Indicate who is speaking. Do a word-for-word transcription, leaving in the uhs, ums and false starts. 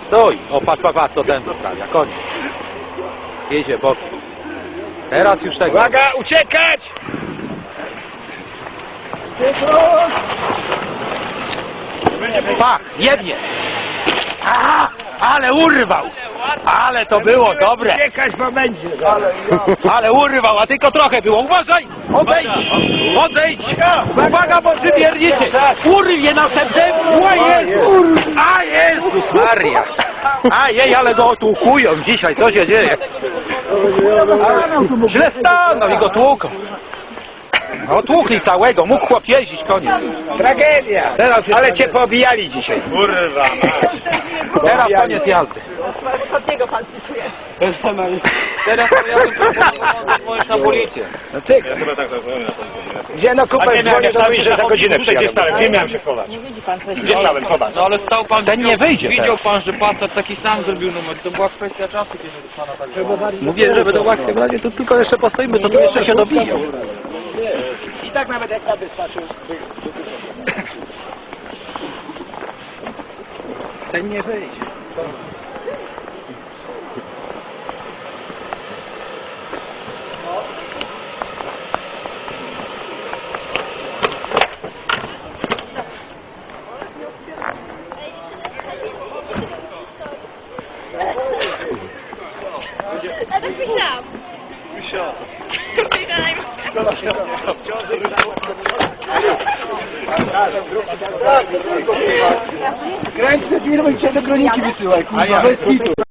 Speaker 1: Stój! O, patrz, patrz, patrz, co ten zostawia, koniec. Jedzie bokiem. Teraz już tego.
Speaker 2: Uwaga, uciekać!
Speaker 1: Pach, jednie! Aha, ale urwał! Ale to było dobre!
Speaker 2: Uciekać, bo będzie.
Speaker 1: Ale urwał, a tylko trochę było. Uważaj! Odejdź! Odejdź! Uwaga, bo przybiernicie! Urwie następnym! A Jezus! A Jezus Maria! A jej, ale go otłukują dzisiaj, co się dzieje? Źle stanął i go tłuką. Otłukli całego, mógł chłop jeździć, koniec.
Speaker 2: Tragedia.
Speaker 1: Teraz
Speaker 2: Ale cię pobijali dzisiaj.
Speaker 3: Kurwa,
Speaker 1: Teraz koniec jazdy.
Speaker 4: Od niego pan cytuje.
Speaker 1: Teraz to ja bym na policję.
Speaker 2: No ty,
Speaker 3: ja chyba tak rozumiem.
Speaker 2: gdzie no kupę dzwonię do mnie, że za godzinę
Speaker 3: Gdzie
Speaker 2: przyjadę.
Speaker 3: stałem? Gdzie miałem się chować?
Speaker 4: Nie widzi pan coś.
Speaker 3: Gdzie stałem? Chować.
Speaker 5: No ale stał pan,
Speaker 1: Ten nie wyjdzie
Speaker 5: widział
Speaker 1: teraz.
Speaker 5: pan, że Passat taki sam zrobił numer. To była kwestia czasu, kiedy pana tak było.
Speaker 1: Mówię, że będą łatwiej w razie, to tylko jeszcze postoimy, to tu jeszcze się dobiją.
Speaker 2: I tak nawet jak na wystarczył.
Speaker 1: Ten nie wyjdzie.
Speaker 4: A to myślałam.
Speaker 2: Kręć te firmy i cię do kroniki wysyłaj, kurwa, bez kitu.